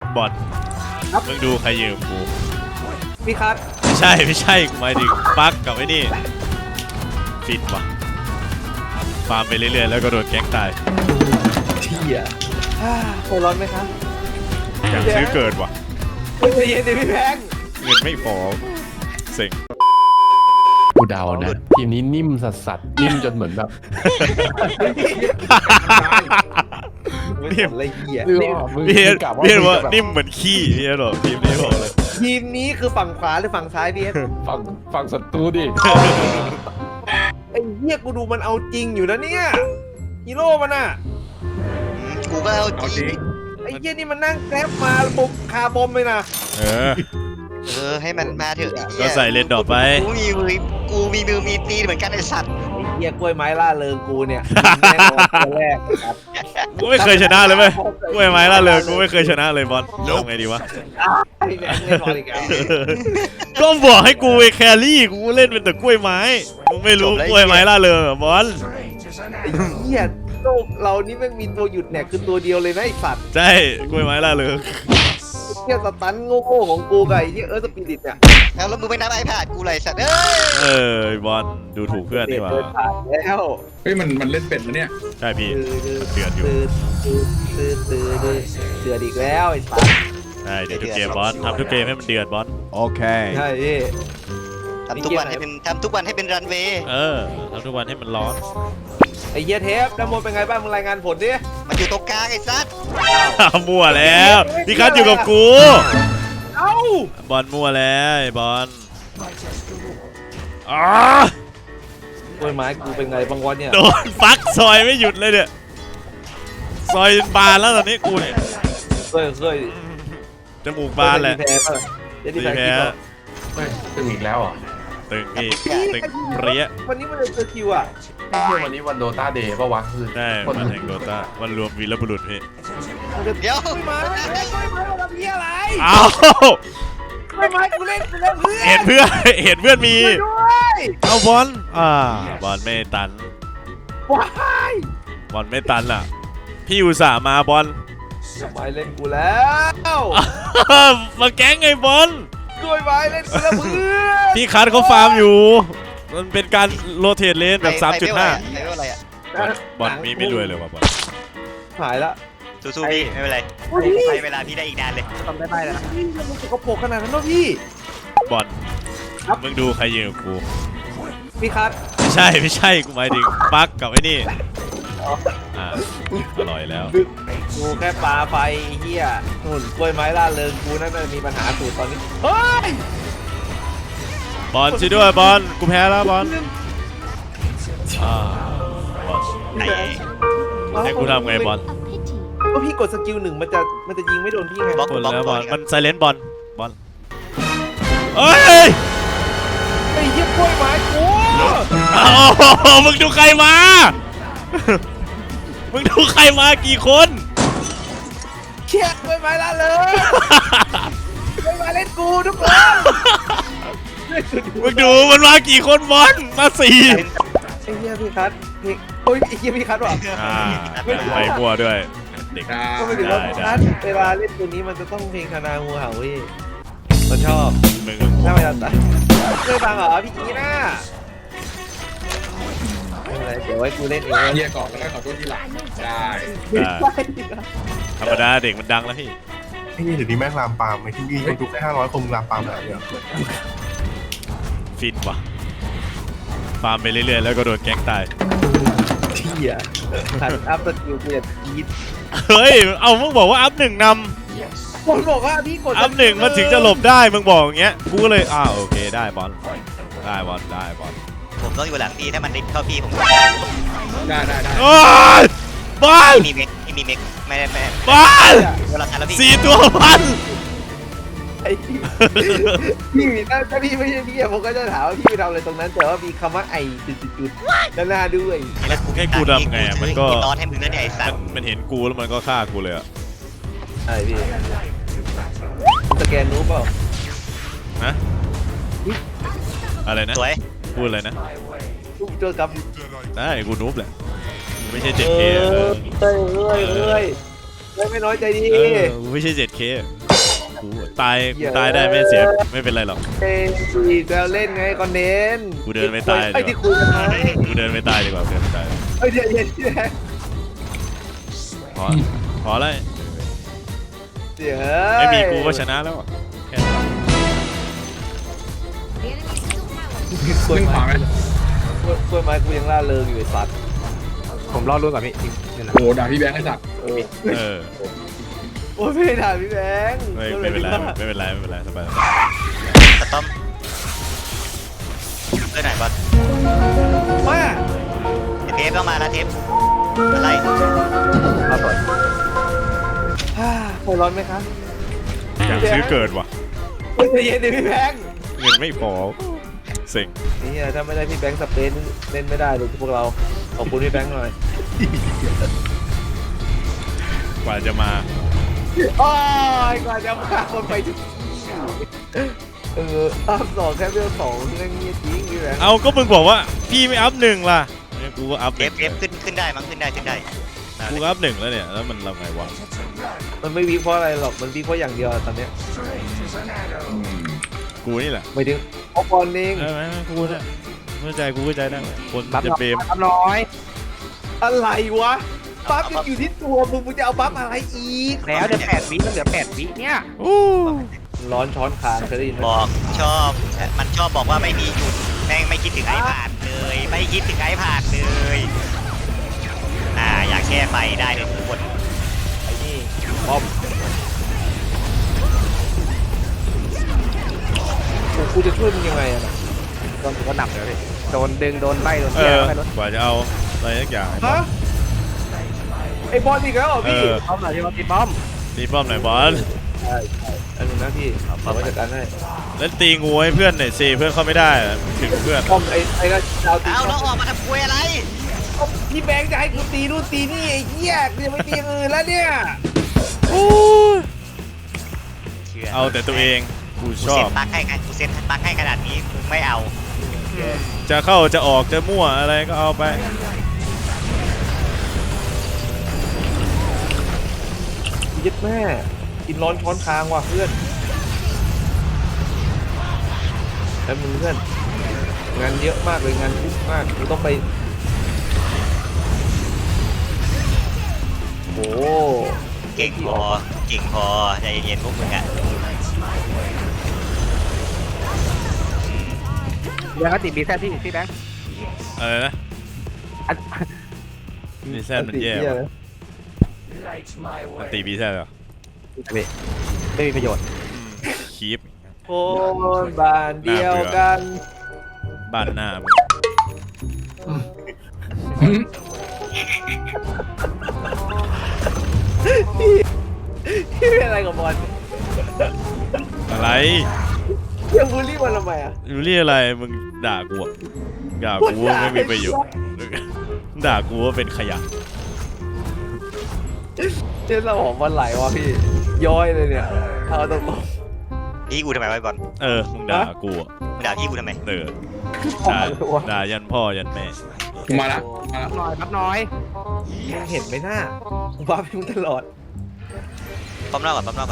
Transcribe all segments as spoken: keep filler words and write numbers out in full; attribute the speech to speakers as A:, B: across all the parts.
A: บอลมึงดูใครยืมกู
B: พี่คัท
A: ไม่ใช่ไม่ใช่กูหมายถึงปักกับไอ้นี่ฟินวะฟาร์มไปเรื่อยๆแล้วก็โดนแก๊งตาย
B: เที่ยเคยร้อนไหมครับ
A: อยากซื้อเกิดวะ
B: ไม่เย็นดิพี่แพง
A: เงินไม่พอเซ็ง
C: กูเดานะทีมนี้นิ่มสัสสัสนิ่มจนเหมือนแบบ
B: นิ่มอะไรเหี้ย
A: พี่เห็นพี่เห็นว่านิ่มเหมือนขี้พี่เหรอทีมนี้บอกเลย
B: ทีมนี้คือฝั่งขวาหรือฝั่งซ้ายพี่
C: ฝั่งฝั่งศัตรูดิ
B: ไอ้เหี้ยกูดูมันเอาจริงอยู่นะเนี่ยฮีโร่มันอ่ะ
D: กูก็เอาจริง
B: ไอ้เหี้ยนี่มันนั่งแกร็บมาบุกคาบอมเลยนะ
A: เออ
D: เออให้มันมาเถอะ
A: ก็ใส่เลนดอกไป
D: กูมีมือกูมีมือมีตีนเหมือนกันไอ้สัตว์
B: ไอ้เหี้ยกล้วยไม้ล่าเริงกูเนี่ยแน่นอนตัวแรกครับ
A: กูไม่เคยชนะเลยไหมกล้วยไม้ล่าเริงกูไม่เคยชนะเลยบอลทำไงดีวะก็บอกให้กูไปแครี่กูเล่นเป็นแต่กล้วยไม้มึงไม่รู้กล้วยไม้ล่าเริงบอล
B: ไอ้เหี้ยโลกเรานี่ไม่มีตัวหยุดเนี่ยคือตัวเดียวเลยนะไอ้สัตว์
A: ใช่กล้วยไม้ล่าเริง
B: เที่ยสตันโง่ๆของกูไงที่เออสปิริตเนี่ย
D: แล้วแล้วมึงไม่นับไอแพดกูเลยสัตว์เอ้ย
A: เออบอลดูถูกเพื่อนนี่หว่า
B: แล้ว
E: เฮ้ยมันมันเล่นเป็ดแล้วเนี่ย
A: ใช่พี่เดือดอยู่
B: เดือดเดือดเดือดอีกแล้วไอ้สัตว์
A: ใช่เดี๋ยวทุกเกมบอลทำทุกเกมให้มันเดือดบอลโอเค
B: ใช่พี่
D: ทำทุกวันให้เป็นทำทุกวันให้เป็นรันเวย์
A: เออทำทุกวันให้มันร้อน
B: ไอ้เหี้ยเทปน้ำมันเป็นไงบ้างมึงรายงานผลดิ
D: มันอยู่ตรงกลางไอ้สัตว์
A: มั่วแล้วพี่คัทอยู่กับกู
B: เอ้า
A: บอลมั่วแล้วบอลอ๋อ
B: ต้นไม้กูเป็นไงบางวันเนี่ย
A: โดนฟักซอยไม่หยุดเลยเนี่ยซอยบานแล้วตอนนี้กูเนี่ย
B: เคยเคย
A: จมูกบานแหละ
B: จะดีแพ้
C: เฮ้ยตึงอีกแล้วอ่ะ
A: ตึงพี่ตึงเปรี้ย
B: วันนี้มันเลยเจอคิวอ่ะ
C: ไม่ใช่วันนี้วันโดต้าเดย์ป่าวะคือ
A: ใช่วันแห่งโดต้าวันรวมวีรบุรุษพี่
D: เดี๋ยว
B: ไม่มาไม่มาไม่มาทำเหี้ยอะไร
A: อ้าว
B: ไม่มากูเล่นกูเล่นเพื่อน
A: เห็นเพื่อนเห็นเพื่อนมีเอาบอลอ่าบอลไม่ตัน
B: ว้าย
A: บอลไม่ตันอ่ะพี่อุตส่าห์มาบอล
B: ไม่เล่นกูแล้ว
A: มาแก๊งไงบอล
B: ด้วยไม้เล่นกูแล้วเพื่อน
A: พี่คัทเขาฟาร์มอยู่มันเป็นการโรเตทเลนแบบ สามจุดห้า
D: อะไรอ่ะ
A: บอลมีไม่รวยเลยว่ะบอล
B: หายละ
D: สู้ๆพี่ไม่เป็นไรไปเวลาพี่ได้อีกนานเลย
B: ทำได้ไหมแล้วนะพี่มันสกปรกขนาดนั้นเหรอพี่
A: บอลมึงดูใครยืมกู
B: พี่คัท
A: ไม่ใช่ไม่ใช่กูหมายถึงปักกับไอ้นี่อ่าอร่อยแล้ว
B: กูแค่ปลาไปเฮียหุ่นกล้วยไม้ล่าเริงกูนั่นมีปัญหาสูตรตอนนี้เฮ้ย
A: บอลช่วยด้วยบอลกูแพ้แล้วบอลอ่าบอลให้กูทำไงบอล
B: ก็พี่กดสกิลหนึ่งมันจะมันจะยิงไม่โดนพี่ไง
A: บอลแล้วบอลมันไซเลนต์บอลบอลเฮ้ย
B: ไอ้เหี้ยกล้วยไม้กู
A: มึงดูใครมามึงดูใครมากี่คน
B: เชี่ยกล้วยไม้ละเลยกล้วยไม้เล่นกูทุกคน
A: มึงดูมันมากี่คนบอลมาสี่
B: ไอ้เหี้ยพี่คัทพี่โอ้ยไอ้เหี้ยพี่คัทว่ะ
A: ไปมั่วด้วยเด็ก
B: ก็ไม่ถึงว่าคัทเวลาเล่นตัวนี้มันจะต้องเพลงคณางูเห่าเว้ยเราชอบถ้าไม่ตัดเคยฟังเหรอพี่จีน่าเดี๋ยวไว้กูเล่นเอง
E: เฮียก่อนแล้วก็ขอโทษทีหลังได้
A: ธรรมดาเด็กมันดังแล้วพี่
F: พี่เดี๋ยวนี้แม่งลามปามไอ้ที่นี่ทุกแค่ห้าร้อยคงลามปามแบบเนี้ย
A: ฟินว่ะฟาร์มไปเรื่อยๆแล้วก็โดนแก๊งตาย
B: เที่ยทันอัพสกิลกูจะกีด
A: เฮ้ยเอามึงบอกว่าอัพหนึ่งนำ
B: คนบอกว่าพี่กด
A: อัพหนึ่งมันถึงจะหลบได้มึงบอกอย่างเงี้ยกูก็เลยอ้าวโอเคได้บอลได้บอลได้บอล
D: ผมต้องอยู่หลังพี่ถ้ามันดิบเข้าพี่ผม
E: ได้ได้ได้
A: โอ้ยบอล
D: มีเมกมีเมกไม่ได้ไม่
A: บอลสี่ตัวบอล
B: ไอ้พี่ถ้าพี่ไม่ใช่พี่ผมก็จะถามว่าพี่ทำอะไรตรงนั้นแต่ว่ามีคำว่าไอ้จุดๆด้านหน้าด้วย
A: แล้วให้กูทำไงมันก็
D: ตอนให้มึงนั่นไอ้สัตว์
A: มันเห็นกูแล้วมันก็ฆ่ากูเลยอ่ะ
B: ใช่พี่สแกนนูบเปล่า
A: ฮะอะไรนะพูดอะไรนะ
B: เจอกับ
A: ได้กูนูบแหละไม่ใช่ เจ็ดเค
B: เอ้ยเอ้ยเอ้ยไม่น้อยใจดี
A: ไม่ใช่ เจ็ดเคกูตายกูตายได้ไม่เสียไม่เป็นไรหรอก
B: เอ้ยเราเล่นไงคอนเทนต์
A: กูเดินไม่ตาย
B: ไอ้
A: ดี
B: ที่
A: กว่า
B: คุยกันไหม
A: กูเดินไม่ตายดีกว่าเดินไม่ตาย
B: เอ้ยเดี๋ยวเดี๋ยวเดี๋ยว
A: พอพอแล้ว
B: เดี๋ยว
A: ไม่มีกูก็ชนะแล้วอะแค่นั้น
B: กล้วย
E: ขึ้นข
B: ไม้
E: วาไหม
B: กล้วยไม้กูยังล่าเริงอยู่ไอ้สัตว์
C: ผมรอรุ่นกับพี่นี่นะ
E: โอ้ด่าพี่แบงค์ไอ้สัตว์
B: เออ
A: เออ
B: โอ้ยไม่ได้ด่าพี่แบงค์
A: ไม่ไม่เป็นไรไม่เป็นไรไม่เป็นไรสบาย
D: สต้อมเพื่อนไหนบอล
B: มา
D: เทปต้องมาแล้วเทปอะไร
B: เอาต่อยฮ่าใจร้อนไหมครับ
A: อยากซื้อเกิดว่ะ
B: เฮ้ยใจเย็นดิพี่แบงค์
A: เงินไม่พอเซ็ง
B: นี่ถ้าไม่ได้พี่แบงค์สเปนเล่นไม่ได้เลยพวกเราขอบคุณพี่แบงค์หน่อย
A: กว่าจะมา
B: โอ้ยกว่าจะมาคนไปถึงเอออัพสองแค่เรื่องสองเรื่องนี้จริงพี่แบงค์
A: เอาก็มึงบอกว่าพี่ไม่อัพหนึ่งล่ะเนี่ยกูก็อัพ
D: เทปเทปขึ้นขึ้นได้มั้งขึ้นได้ขึ้นได้
A: กูก็อัพหนึ่งแล้วเนี่ยแล้วมันเราไงวะ
B: มันไม่วิเคราะห์อะไรหรอกมันวิเคราะห์อย่างเดียวตอนเนี้ย
A: กูนี่แหละ
B: ไม่ถึงเอาบอลเอง
A: ใช่ไหมกูเนี่ยเข้าใจกูเข้าใจได้คนจะเบม
C: รับน้อย
B: อะไรวะบัฟยังอยู่ที่ตัวมึงมึงจะเอาบัฟอะไรอีก
C: แล้วเดี๋ยวแปดวิแล้วเหลือแปดวิเนี่ย
A: อู้
B: ร้อนช้อนคางเคยได้ยินไหม
D: บอกชอบมันชอบบอกว่าไม่มีหยุดแม่งไม่คิดถึงไอ้ผ่านเลย ไม่คิดถึงไอ้ผ่านเลยอ่าอยากแก้ไฟได้เลยทุกคน
B: ไอ้นี่บอมโอ้กูจะช่วยมึงยังไงอะน่ะ
C: โดนก็หนักเลยพี่โดนดึงโดนไล่โดน
A: เอ
C: เที่ย
A: อ
C: วไปรถ
A: กว่าจะเอาอะไรสักอย่าง
B: ฮะไอ้บอลอีกแล้วเหรอ
A: เอ
B: พี่
A: อ
C: ป้อมหน่อยที่ว่าตีป้อม
A: ตีป้อมหน่อยบอล
B: ใช่ใช่อันนึงนะพี่ผมจัดการให้
A: แล้วตีงูให้เพื่อนหน่อยสิเพื่อนเข้าไม่ได้อะถึงเพื่อน
B: บอมไอ้ไอ้ก็ดาวตี
D: เอาแล้วออกมาทำคุยอะไร
B: พี่แบงค์จะให้กูตีนู่นตีนี่ไอ้เหี้ยกูจะไม่ตีอื่นแล้วเนี่ย
A: เอาแต่ตัวเองกู
D: กู
A: ชอ
D: เซ็
A: บ
D: นปักให้กันกูเซ็นปักให้ขนาดนี้มึงไม่เอา
A: จะเข้าจะออกจะมั่วอะไรก็เอาไป
B: ยึดแม่กินร้อนช้อนคางว่ะเพื่อนแล้วมึงเพื่อนงานเยอะมากเลยงานยุ่งมากกูต้องไปโอ้
D: เก่งพอเก่งพอใจเย็นๆพวกมึงอ่ะ
C: เดี๋ยวก็ติดบีแซดพี่พี่แบงค์
A: อะไรนะ
C: อัน
A: บีแซดมันแย่ว่ะมันตีบีแซดเหรอ
C: พี่ไม่มีประโยชน์
A: คีป
B: โอ้บ้านเดียวกัน
A: บ้านหน้ามึง
B: พี่เป็นอะไรกับบอล
A: อะไร
B: เรื่องบูลลี่มันทำไมอ่ะ
A: ยูรี่อะไรมึงด่ากูอะด่ากูว่าไม่มีประโยชน์ด่ากูว่าเป็นขยะ
B: เจ้าสมองมันไหลวะพี่ย้อยเลยเนี่ยเอาตรง
D: พี่กูทำไมไว้บอล
A: เออมึงด่ากูอะ
D: มึงด่าพี่กูทำไม
A: เออด่าด่ายันพ่อยันแม่
E: กูมาละมาละ
C: รับน้อยรับน้อย
B: มึงเห็นไหมหน้าบ้าพี่มึงตลอด
D: ปั๊มรอบก่อนปั๊มรอบก่อน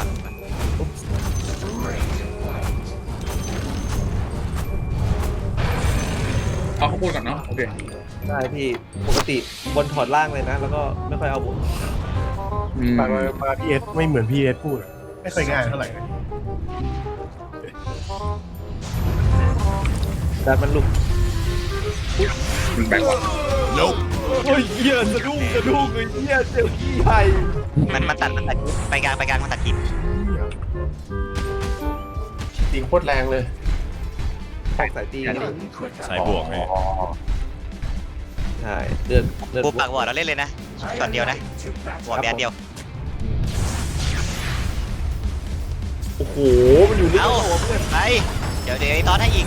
E: เอาข้าวโพดก่อนเนาะโอเค
B: ได้พี่ปกติบนถอดล่างเลยนะ แล้วก็ไม่ค่อยเอาบน
E: อืม
F: มามาพีเอสไม่เหมือนพีเอสพูดอะไม่ค่อยง่ายเท่าไหร่
B: แต่มันลุก
E: มันแบกว่ะ
B: โอ้ยเหี้ยสะดุ้งสะดุ้งเลยเหี้ยเจอขี้ไห่
D: มันมันตัดมันตัดไปกลางไปกลางมันตัดหิน
F: ตีโคตรแรงเลย
B: แตกสายตีกัน
A: สายบวกไง
B: ใช่เดือดเดือด
D: กูปากวอร์ดเราเล่นเลยนะช็อตเดียวนะวอร์ดแบนเดียว
B: โอ้โหมันอยู่ลึก
D: เอา
B: หัวเพื่อน
D: ไปเดี๋ยวเดี๋ยวไอ้ตอนให้อีก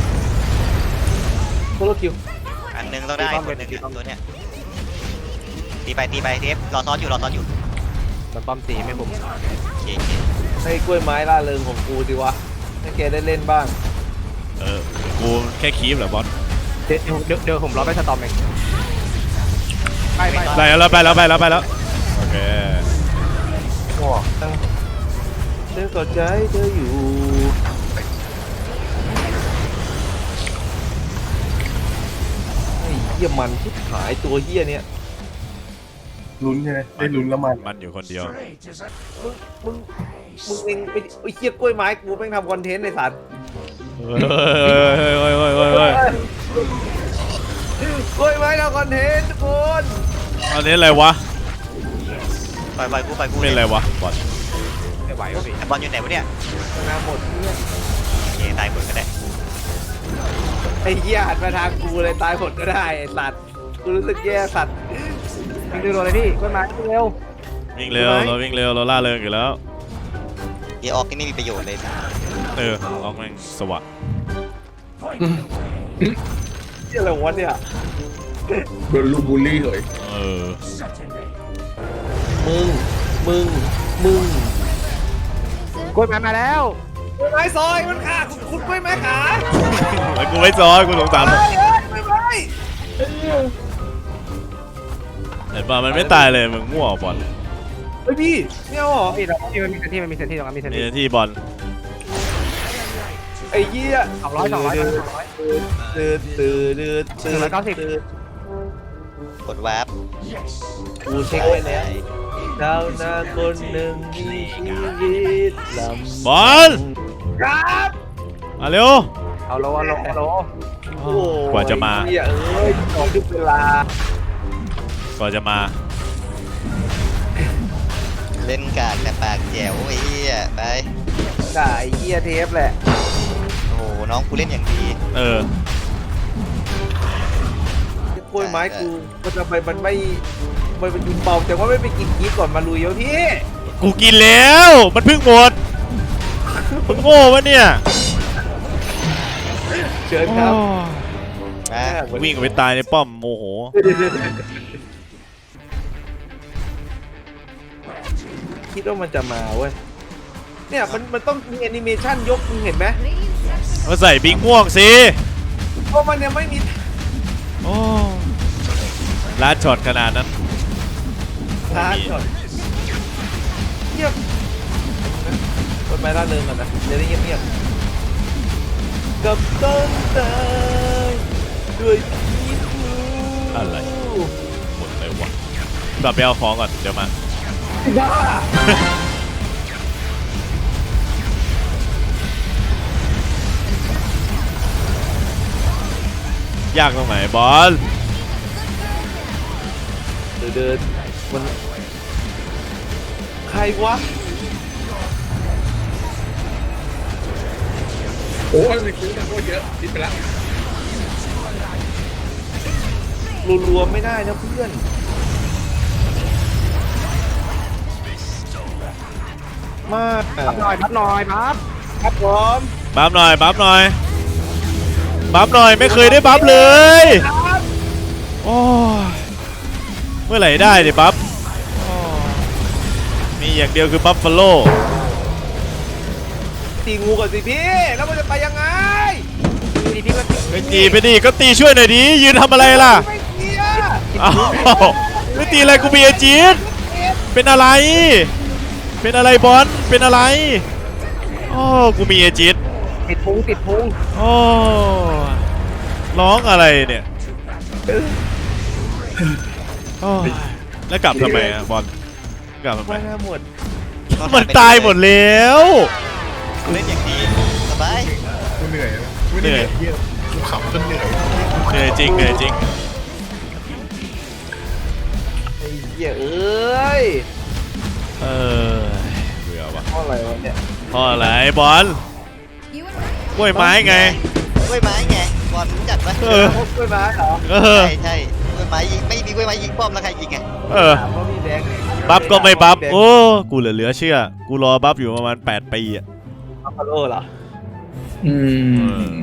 B: โคโรคิว
D: อันหนึ่งต้องได้คนหนึ่งอะตัวเนี้ยตีไปตีไปเทปรอซ้อนอยู่รอซ้อนอยู่
C: มันป้อมตีไม่ผม
D: โอเคโอเค
B: ให้กล้วยไม้ล่าเริงของกูดิวะให้แกได้เล่นบ้าง
A: เออกูแค่คีปเหรอบอล
C: เดี๋ยวเดี๋ยวเดี๋ยวผมรอไปสตอมเองไปไป
A: ไปแล้วไปแล้วไปแล้วไปแล้วโอเค
F: โอ้ตั้ง
B: จธอเข้าใจเธออยู่ไอ้เหี้ยมันชิบหายตัวเหี้ยเนี่ย
F: ลุ้นใช่ไหมได้ลุ้นแล้วมัน
A: มันอยู่คนเดียว
B: มึงมึงเองไปไอ้เหี้ยกล้วยไม้กูแม่งทำคอนเทนต์ในสัตว์
A: เฮ้ยเฮ้ยเฮ้ยเฮ้ยเฮ้ยเฮ้ย
B: กล้วยไม้ทำคอนเทนต์ทุกคน
A: อันนี้อะไรวะ
D: ปล่อยปล่อยกูปล่อยกู
A: เป็นอะไรวะบอล
B: ไม่ไหววะพี่
D: ไอ้บอลอยู่ไหนวะเนี่ย
B: ชนะหมดเนี่ย
D: โอเคตายหมดก็ได้
B: ไอ้เหี้ยหันมาทางกูเลยตายหมดก็ได้ไอ้สัตว์กูรู้สึกแย่สัตว์วิ่งเร็วเลยพี่กล้วยไม้วิ่งเร็ว
A: วิ่งเร็วเราวิ่งเร็วเราล่าเริงอยู่แล้ว
D: เอออกนี่ไม่มีประโยชน์เลยนะ
A: เออออกแม่งสวะ
B: เหี้ยอะไรวะเนี่ย
E: โดนลูกบูลลี่เหย
A: เออ
B: มึงมึงมึงกล้วยไม้มาแล้วกล้วยไม้ซอยมันขาคุณคุณกล้วยไม้ขา
A: แล้วกูไม่ซ้อยกูสงสารมัน
B: เอ้ยเอ้ยกล้วยไม้
A: เห็นป่ะมันไม่ตายเลยมึงมั่วบอล
B: เฮ้ยพี่ไม่เอาเหรอ
G: พี่เราพี่มันมีเซนที่มันมีเซนที่ตรงนั้นมีเซน
A: นี่
G: ที่
A: ที่บอล
B: ไอ้เหี้ย
G: สองร้อยสองร้อยสองร้อย
B: ตื่นตื่นตื่นตื่น
G: หนึ่งร้อยเก้าสิบ
B: ตื่น
D: กดวาร์ป
B: กูเช็คไว้แล้วดาวนาคนหนึ่งมีชีวิตลำ
A: บอล
B: ครับ
A: มาเร็ว
G: เอาโลเอาโลเอาโล
B: โอ้
A: กว่าจะมา
B: เหี้ยเอ้ยต้องทุกเวลาก
A: ว่าจะมา
D: เล่นกากแต่ปากแจ๋วไอ้เหี้ยไป
B: ด่าไอ้เหี้ยเทปแหละ
D: โอ้โหน้องกูเล่นอย่างดี
A: เออก
B: ล้วยไม้กูมันทำไมมันไม่มันเป็นกินเบาแต่ว่าไม่ไปกินกีก่อนมาลุยวะพี่
A: กูกินแล้วมันเพิ่งหมดมึงโง่ปะเนี่ย
B: เชิญครับ
D: มา
A: วิ่งไปตายในป้อมโมโห
B: คิดว่ามันจะมาเว้ยเนี่ยมันมันต้องมีแอนิเมชันยกมึงเห็นไหม
A: มาใส่บิงม่วงสิ
B: เพราะมันยังไม่มี
A: โอ้ลาดช็อตขนาดนั้น
B: ทางก่อนเงียบคนไปล่าเริงก่อนนะเดี๋ยวได้เงียบเงียบๆกับต้นตายด้วยพิษบู
A: อะไร หมดเลยวะกลับไปเอาของก่อนเดี๋ยวมา
B: บ้า
A: ยากตรงไหนบอล
B: เดินเดินมันใครวะ
E: โอ้ยมันคิ้วมันโคตรเยอะคิดไปแล้ว
B: รัวๆไม่ได้นะเพื่อนมาก
G: พับหน่อยพับหน่อยพับ
B: ครับผม
A: บัฟหน่อยบัฟหน่อยบัฟหน่อยไม่เคยได้บัฟเลย โอ้ยเมื่อไหร่ได้ดิบัฟโอ้ยมีอย่างเดียวคือบัฟฟาโล
B: ตีงูก่อนสิพี่แล้วมันจะไปยังไง
G: พี่พี่ก็
A: ไปตีไปดิก็ตีช่วยหน่อยดิยืนทำอะไรล่ะ
B: ไม่เกีย
A: อ้าวไม่ตีอะไรกูมีเอจีดเป็นอะไร เป็นอะไรบอลเป็นอะไรโอ้กูมีเอจีด
G: ติดพุงติดพุง
A: โอ้ร้องอะไรเนี่ยโอ้ยแล้วกลับทำไมอะบอลกลับทำไม
B: ว่าหน้าหมด
A: มันตายหมดแล้ว
D: เล่นอย่างดีสบาย
F: กูเหนื่อยนะไม่ได้เหนื่อยเยี่ยกูขับจนเหนื่อย
A: เหนื่อยจริงเหนื่อยจริง
B: ไอ้เหี้ยเอ้ย
A: เออเบื่อวะ
B: เพราะอะไรวะเนี่ย
A: เพราะอะไรบอลกล้วยไม้ไง
D: กล้วยไม้ไงบอลรู้จักปะ
A: เออ
B: พวกกล้วยไม้เหรอ
A: เออ
D: ใช่ใช่กล้วยไม้ยิงไม่มีกล้วยไม้ยิงป้อมแล้วใครยิงไง
A: เออ
B: ถามว่ามีแดง
A: บัฟก็ไม่บัฟโอ้กูเหลือเหลือเชื่อ กูรอบัฟอยู่ประมาณแปดปีอะ
B: บัฟฟาโลเหรอ
E: อืม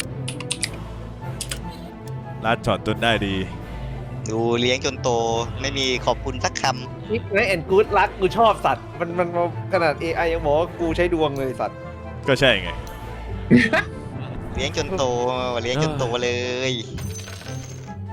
A: ลัดช็อตจนได้ดี
D: ดูเลี้ยงจนโตไม่มีขอบคุณสักค
B: นี่ไงแอนกูดรักกูชอบสัตว์มันมันมันขนาด เอ ไอ ยังบอกว่ากูใช้ดวงเลยสัตว์
A: ก็ใช่ไง
D: ำเลี้ยงจนโตเลี้ยงจนโตเลย